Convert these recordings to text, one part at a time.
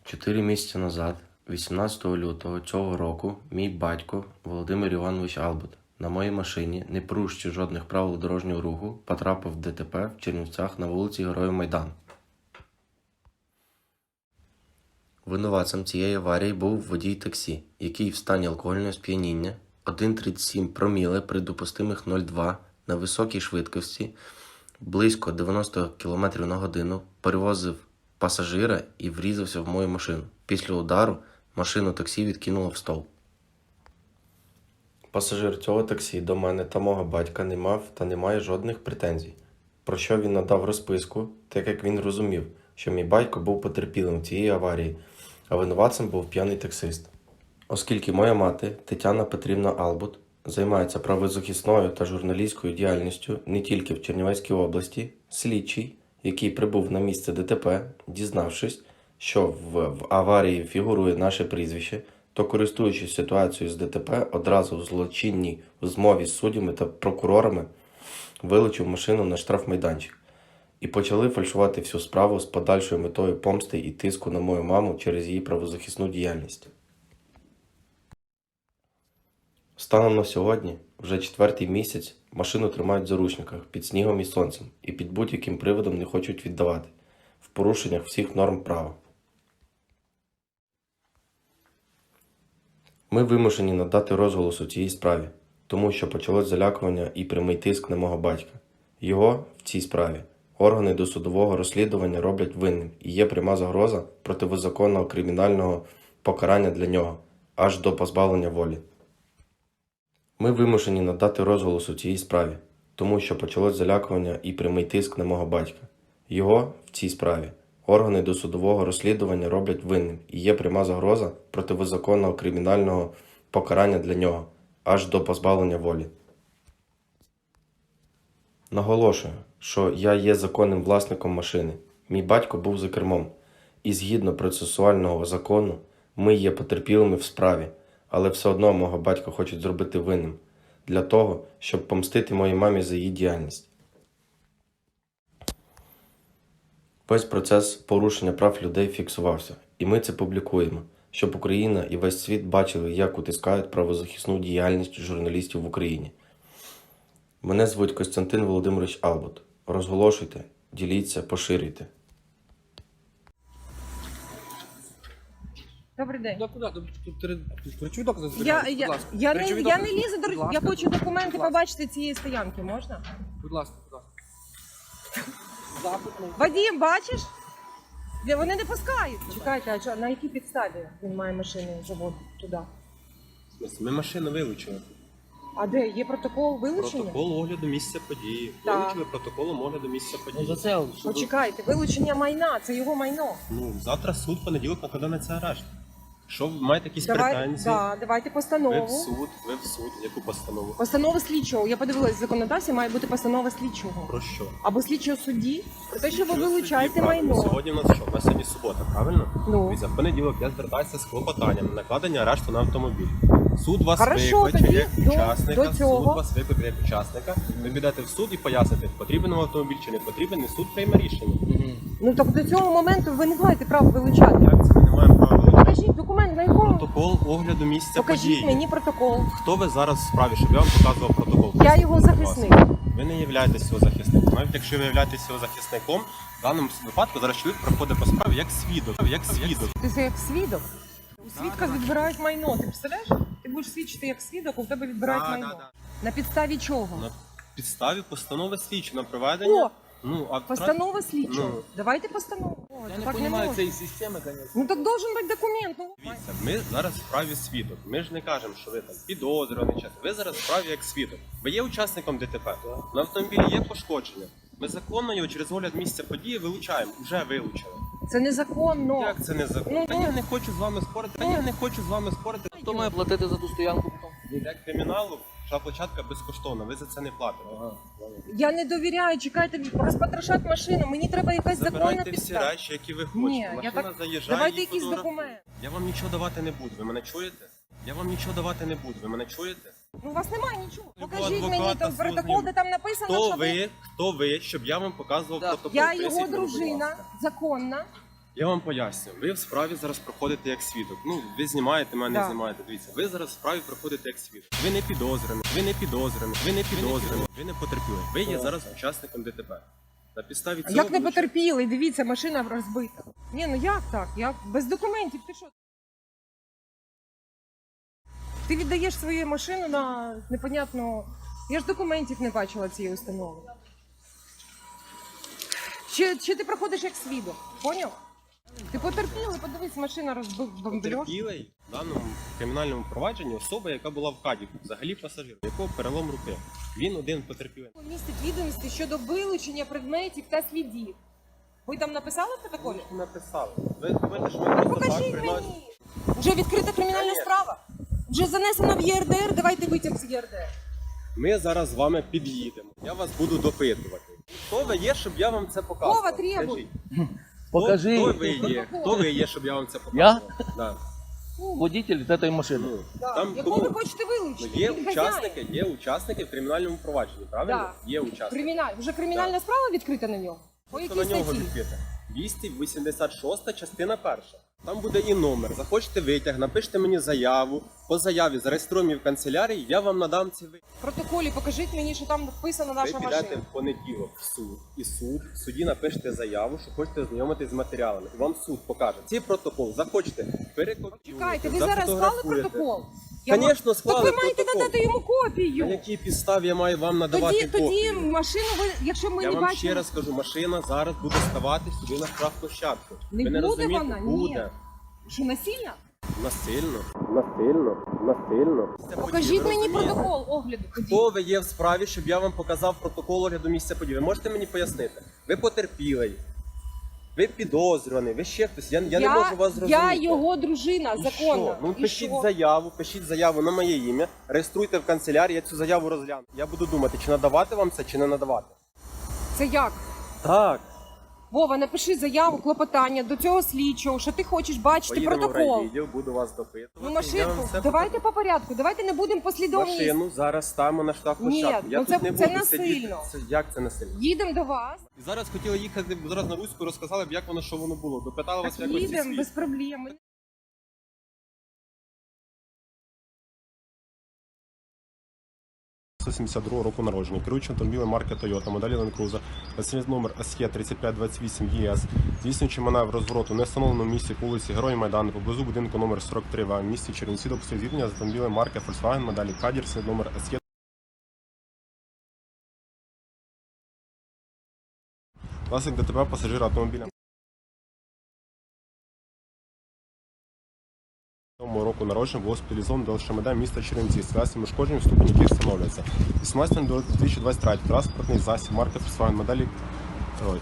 4 місяці назад, 18 лютого цього року, мій батько Володимир Іванович Албут на моїй машині, не порушуючи жодних правил дорожнього руху, потрапив в ДТП в Чернівцях на вулиці Героїв Майдану. Винуватцем цієї аварії був водій таксі, який в стані алкогольного сп'яніння 1,37 проміле при допустимих 0,2 на високій швидкості близько 90 км на годину перевозив пасажира і врізався в мою машину. Після удару машину таксі відкинуло в стовп. Пасажир цього таксі до мене та мого батька не мав та не має жодних претензій, про що він надав розписку, так як він розумів, що мій батько був потерпілим в цієї аварії, а винуватцем був п'яний таксист. Оскільки моя мати Тетяна Петрівна Албут займається правозахисною та журналістською діяльністю не тільки в Чернівецькій області, слідчий, який прибув на місце ДТП, дізнавшись, що в аварії фігурує наше прізвище, то, користуючись ситуацією з ДТП, одразу в злочинній змові з суддями та прокурорами вилучив машину на штрафмайданчик і почали фальшувати всю справу з подальшою метою помсти і тиску на мою маму через її правозахисну діяльність. Станом на сьогодні, вже 4-й місяць, машину тримають в заручниках під снігом і сонцем і під будь-яким приводом не хочуть віддавати, в порушеннях всіх норм права. Ми вимушені надати розголос у цій справі, тому що почалось залякування і прямий тиск на мого батька. Його в цій справі органи досудового розслідування роблять винним і є пряма загроза протизаконного кримінального покарання для нього, аж до позбавлення волі. Ми вимушені надати розголос у цій справі, тому що почалось залякування і прямий тиск на мого батька. Його в цій справі органи досудового розслідування роблять винним і є пряма загроза протизаконного кримінального покарання для нього, аж до позбавлення волі. Наголошую, що я є законним власником машини. Мій батько був за кермом. І згідно процесуального закону, ми є потерпілими в справі, але все одно мого батька хочуть зробити винним, для того, щоб помстити моїй мамі за її діяльність. Весь процес порушення прав людей фіксувався, і ми це публікуємо, щоб Україна і весь світ бачили, як утискають правозахисну діяльність журналістів в Україні. Мене звуть Костянтин Володимирович Албут. Розголошуйте, діліться, поширюйте. Добрий день. Куди? Тут речові докази Я зберігаються, будь ласка. не Речові лізу до Будь я ласка. хочу документи Будь ласка. побачити цієї стоянки, можна? Будь ласка, будь ласка. Запит на... Вадим, бачиш? Вони не пускають. Чекайте, а що, на якій підставі він має машину заводити туди? В смысле, ми машину вилучили. А де? Є протокол вилучення? Протокол огляду місця події. Так. Вилучили протоколом огляду місця події. За це, щоб... Почекайте, вилучення майна, це його майно. Ну, завтра суд, понеділок накладе на це арешт. Якщо ви маєте якісь претензії, Давайте ви постанову. в суд, яку постанову? Постанова слідчого. Я подивилась, в законодавстві має бути постанова слідчого. Про що? Або слідчого судді, про те, що ви Слідчого вилучаєте судді, правильно. майно. Сьогодні у нас що? У нас сьогодні субота, правильно? Ну. Дивіться, в понеділок я звертаюся з клопотанням на накладення арешту на автомобіль. Суд вас Хорошо, викличе тоді як учасника, до цього. суд вас викличе як учасника. Ви підете в суд і поясните, потрібен вам автомобіль чи не потрібен, і суд прийме рішення. Ну так до цього моменту ви не маєте права вилучати. Як це ми не маємо права вилучати? Покажіть документ, на якому? Протокол огляду місця Покажіть події. мені протокол. Хто ви зараз в справі, щоб я вам показував протокол? Я Поясніть, його будь ласка. захисник. Ви не являєтесь його захисником. Навіть якщо ви являєтесь його захисником, в даному випадку зараз чоловік проходить по справі як свідок. Ти це як свідок. У свідка відбирають майно. Ти представляєш? Ти будеш свідчити як свідок, а у тебе відбирають майно. На підставі чого? На підставі постанови слідчого на проведення. О, Ну, а постанова слідчого. Ну. Давайте постанову. О, Я не так розумію можна. цієї системи, звісно. Ну так должен бути документ. Ну. Дивіться, ми зараз в справі свідок. Ми ж не кажемо, що ви там підозрюваний час. Ви зараз в справі як свідок. Ви є учасником ДТП. На автомобілі є пошкодження. Ми законно його через огляд місця події вилучаємо. Уже вилучили. Це незаконно. Як це не законно? Ну, Та я не хочу з вами спорити. Хто має платити за ту стоянку потім? Для криміналу площадка безкоштовна, ви за це не платите. Я не довіряю, чекайте, розпотрошать машину. Мені треба якась законна Забирайте всі підстава. речі, які ви Ні, хочете. я Машина так... заїжджає, Давайте її якийсь фотографує. документ. Я вам нічого давати не буду, ви мене чуєте? Я вам нічого давати не буду, ви мене чуєте? Ну у вас немає нічого. Любого Покажіть мені адвоката там свого протокол, де зніму. там написано, що Хто ви, щоб я вам показував Так. протокол? Я Поясніть його мені, будь дружина, ласка. законна. Я вам поясню. Ви в справі зараз проходите як свідок. Ну, ви знімаєте мене, Да. знімаєте. Дивіться, ви зараз в справі проходите як свідок. Ви не підозрюєні, ви не підозрюєні, ви не підозрюєні, ви не потерпіли. Ви є зараз учасником ДТП. На підставі А цього... як не вилучаю- потерпіли? Дивіться, машина розбита. Ні, ну як так? Як? Без документів ти що? Ти віддаєш свою машину на непонятно. Я ж документів не бачила цієї установи. Чи ти проходиш як свідок? Поняв? Ти потерпіли, подивись, машина розбомбльош. Потерпілий в даному кримінальному провадженні особа, яка була в каді, взагалі пасажир, якого перелом руки. Він один потерпілий. Містить відомості щодо вилучення предметів та слідів. Ви там написали в протоколі? Ви написали. Ви думаєте, що ми просто так Покажіть приносимо? мені. Вже відкрита кримінальна Конечно. справа. Вже занесено в ЄРДР, давайте витяг з ЄРДР. Ми зараз з вами під'їдемо. Я вас буду допитувати. Хто ви є, щоб я вам це показував? Вова, требуй. Скажіть. Покажи. Хто ви є? Хто ви є, щоб я вам це показував? Да. Водитель этой машины. Ну, Да. там Якого кому? ви хочете Ну, вилучити? є Він учасники в кримінальному провадженні, правильно? Да. Є учасники. Вже кримінальна справа відкрита на нього? По Хто якій на нього статті? відкрите? 286 частина 1. Там буде і номер. Захочете витяг, напишіть мені заяву. По заяві зареєструємо її в канцелярії, я вам надам ці витяги. В протоколі покажіть мені, що там вписана Ви наша підете машина. в понеділок в суд, і в суді напишете заяву, що хочете ознайомитись з матеріалами. І вам суд покаже. Цей протокол захочете перекопіюєте, Чекайте, ви зараз склали зафотографуєте. протокол? Звісно, Так склали ви маєте протокол. надати йому На копію. якій підставі я маю вам надавати Тоді копію? машину ви, якщо ми Я не вам бачимо... ще раз кажу, машина зараз буде ставати сюди на штрафплощадку. Не Ви не буде розумієте? вона? Ні. Буде. Що, насильно? Насильно. Насильно. Покажіть мені Розумієте? протокол огляду. тоді. Хто ви є в справі, щоб я вам показав протокол огляду місця події? Ви можете мені пояснити? Ви потерпілий, ви підозрюваний, ви ще хтось. Я не можу вас зрозуміти. Я його дружина, І законна. що? Ну І пишіть що? пишіть заяву на моє ім'я, реєструйте в канцелярії, я цю заяву розгляну. Я буду думати, чи надавати вам це, чи не надавати. Це як? Так. Вова, напиши заяву, клопотання до цього слідчого, що ти хочеш бачити Поїдемо в протокол. райвідділ, буду вас допитувати. Ну, Я машинку, вам все давайте по порядку, давайте не будемо послідовність. Машину зараз ставимо на штрафплощадку. Ні, Я ну тут це- не це буду сидіти. насильно. Як це насильно? Їдемо до вас, І зараз хотіли їхати зараз на Руську, розказали б, як воно, що воно було. Допитали вас так якось зі їдемо свій. без проблем. 1972 року народження. Керуючий автомобілем марки Toyota, моделі Land Cruiser, реєстраційний номер SE 3528 ЄС, здійснюючи маневр розвороту в нестановленому місці по вулиці Герої Майдану, поблизу будинку номер 43 в місті Чернівці, допустив зіткнення з автомобілем марки Volkswagen, моделі Caddy, номер SE. Власник ДТП пасажира автомобіля. Року народження було спеціалізовано до ЛШМД міста Чернівці з класом ушкоджень, ступені яких встановлюється. 18 до 2023 транспортний засіб марки Volkswagen моделі. Ой.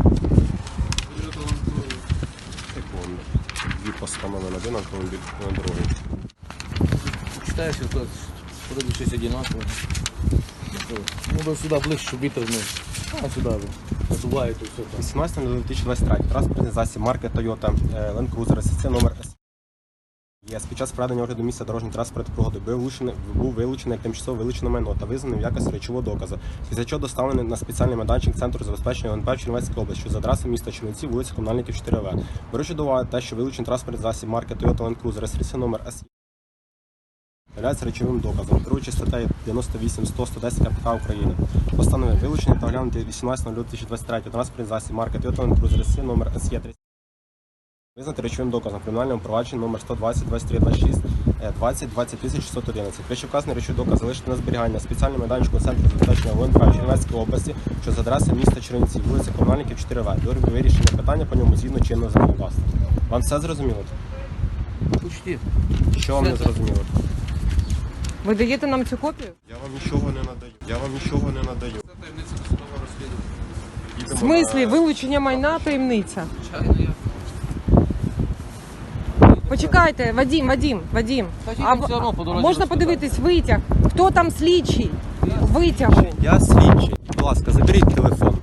Секунду. Дві постанови на один автомобіль, на другий. Читаешь, что вроде щось одинаково. Ну, да сюда ближче, щоб вітер не. А сюди надуває тут все так. 18 до 2023 транспортний засіб марки Toyota Land Cruiser SC номер S. Під час проведення огляду місця дорожньої транспортної пригоди був вилучений як тимчасово вилучене майно та визнаний в якості речового доказу, після чого доставлений на спеціальний майданчик Центру забезпечення ОНП в Чернівецькій області, що за адресою міста Чернівці, вулиця Комунальників 4В. Беручи до уваги те, що вилучений транспортний засіб марки Toyota Land Cruiser реєстраційний номер S являється речовим доказом, керуючи статтею 98-100-110 КПК України. Постановив вилучений та оглянути 18.02.2023 транспортний засіб марки Toyota Land Cruiser реєстраційний номер SE 30. Визнати речовим доказом кримінальному провадженні номер 120 23 26 20 20611. Вищевказаний речовий доказ залишити на зберігання спеціальному майданчику Центру забезпечення ВНП в Чернівецькій області, що за адресою міста Чернівці, вулиця Комунальників 4В. До вирішення питання по ньому згідно чинного законодавства. Вам все зрозуміло? Почти. Що вам не Все зрозуміло? Ви даєте нам цю копію? Я вам нічого не надаю. Це таємниця досудового розслідування. В смислі, вилучення майна таємниця. Звичайно, я. Почекайте, Вадим. Скажіть, він все одно по дорозі Можна розповідає. подивитись витяг? Хто там слідчий? Витягу. Я слідчий. Будь ласка, заберіть телефон.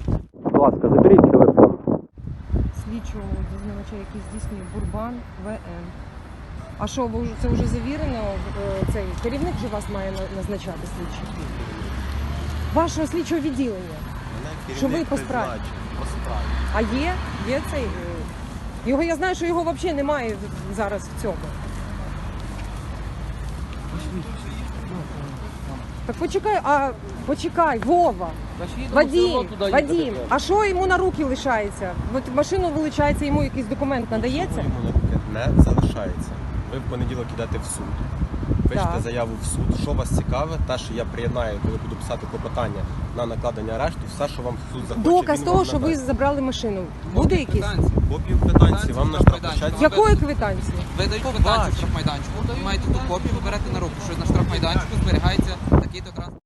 Слідчого дізнавача, який здійснює Бурбан ВН. А що, це вже завірено? Цей керівник же вас має назначати слідчий? Вашого слідчого відділення. Що ви по справі? А є? Є цей Його, я знаю, що його взагалі немає зараз в цьому. Так почекай, Вова. Вадим, а що йому на руки лишається? От машину вилучається, йому якийсь документ надається? Йому на руки не залишається. Ви в понеділок йдете в суд, пишете Так. заяву в суд. Що вас цікаве, те, що я приєднаю, коли буду писати клопотання на накладення арешту, все, що вам суд захоче, Доказ він того, вам що ви надасть. забрали машину. Буде якийсь? Копію квитанції вам на штрафплощадці. Якої квитанції? Видають Побачиш. квитанцію штрафмайданчику, маєте ту копію, ви берете на руку, що на штрафмайданчику зберігається такий-то транспорт.